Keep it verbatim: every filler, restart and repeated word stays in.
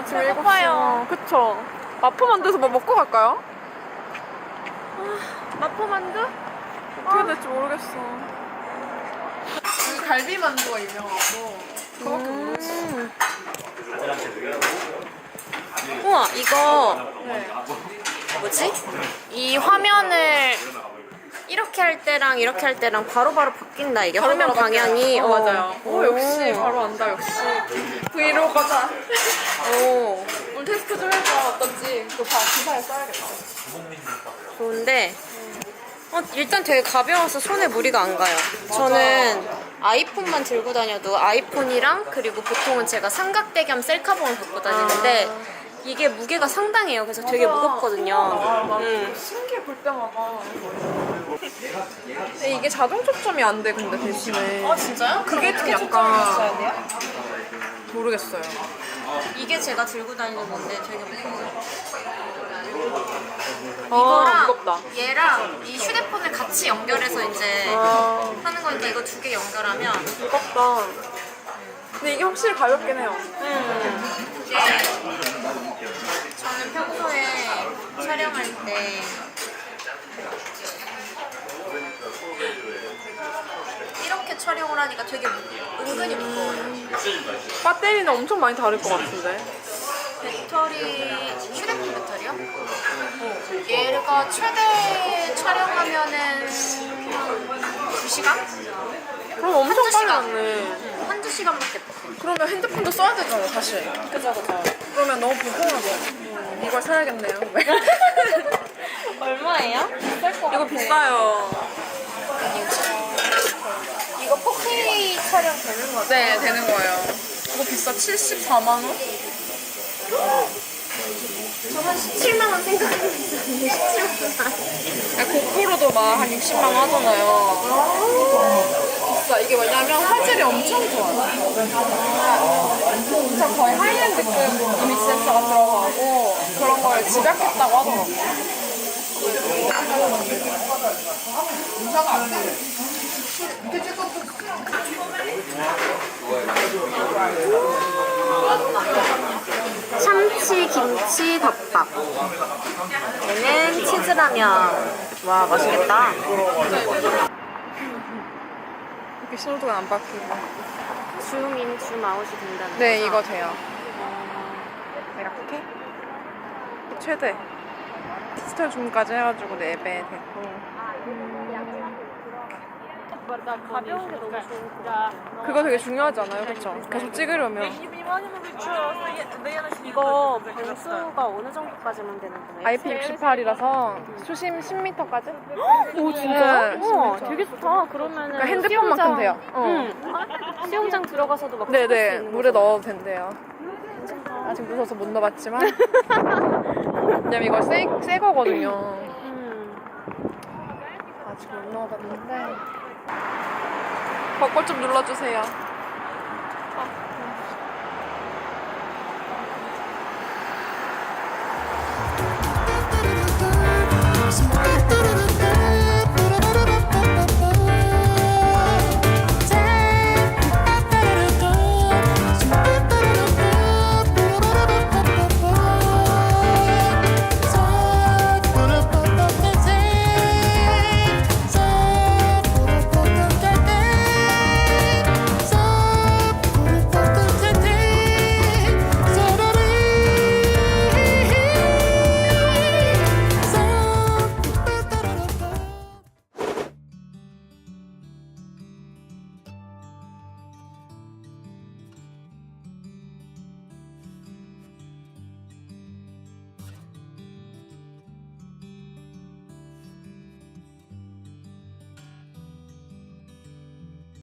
아침 일곱 시요. 그쵸. 마포 만두에서 뭐 먹고 갈까요? 마포 만두? 어떻게 될지 모르겠어. 여기 갈비 만두가 유명하고 그거밖에 모르겠어. 음. 우와, 이거 네. 뭐지? 이 화면을 이렇게 할 때랑 이렇게 할 때랑 바로바로 바뀐다. 이게 화면 방향이. 어, 맞아요. 오, 역시 오. 바로 안다. 역시 브이로거다. 오, 오늘 테스트 좀 해봐. 어떤지 그거 봐. 기사에 써야겠다. 좋은데 어, 일단 되게 가벼워서 손에 무리가 안 가요. 저는 아이폰만 들고 다녀도 아이폰이랑 그리고 보통은 제가 삼각대겸 셀카봉을 갖고 다니는데 이게 무게가 상당해요. 그래서 되게 맞아. 무겁거든요. 아, 음. 신기해 볼 때마다. 근데 이게 자동 초점이 안 돼. 근데 대신에. 아 진짜요? 그게 좀 약간 모르겠어요. 이게 제가 들고 다니는 건데 되게 무거워요. 아, 이거랑 무겁다. 얘랑 이 휴대폰을 같이 연결해서 이제 아, 하는 거니까 이거 두 개 연결하면 무겁다. 근데 이게 확실히 가볍긴 해요. 음, 이게 저는 평소에 촬영할 때 이렇게 촬영을 하니까 되게 무- 은근히 무거워요. 배터리는 엄청 많이 다를 것 같은데. 배터리, 휴대폰 배터리요? 어, 얘가 최대 촬영하면은 두 시간? 그럼 엄청 한두 빨리 시간. 왔네. 한두 시간밖에 못. 그러면 핸드폰도 써야 되잖아, 사실. 그죠, 그죠. 그러면 너무 불편하죠. 이걸 사야겠네요. 얼마예요? 이거 비싸요. 이거 포케이 촬영 되는 거죠? 네, 되는 거예요. 이거 비싸. 칠십사만 원? 저 한 십칠만 원 생각하고 있었는데 십칠만 원. 고프로도 막 한 육십만 원 하잖아요. 비싸. 이게 왜냐면 화질이 엄청 좋아요. 진짜 거의 하이엔드급 이미지 센서가 들어가고 그런 걸 집약했다고 하더라고요. 참치 김치 덮밥. 얘는 치즈라면. 와, 맛있겠다. 이렇게 신호등은 안 바뀌고. 줌인, 줌아웃이 된다는 네, 거죠? 이거 돼요. 이렇게 최대 디지털 줌까지 해가지고 네 배 됐고. 가벼운 게 너무 좋은 것 같아요. 그거 되게 중요하지 않아요? 그쵸? 계속 찍으려면 이거 방수가 어느 정도까지만 되는 거예요? 아이피 육십팔이라서 수심 십 미터까지? 오 네, 진짜요? 우와 진짜. 되게 좋다. 그러면은 그러니까 핸드폰만큼 수영장- 돼요. 어. 응. 수영장 들어가서도 막 찍을 수 네네, 있는 물에 거죠? 넣어도 된대요. 아직 무서워서 못 넣어봤지만 왜냐면 이거 새, 새 거거든요. 음. 아직 못 넣어봤는데 벚꽃 좀 눌러주세요. Smart.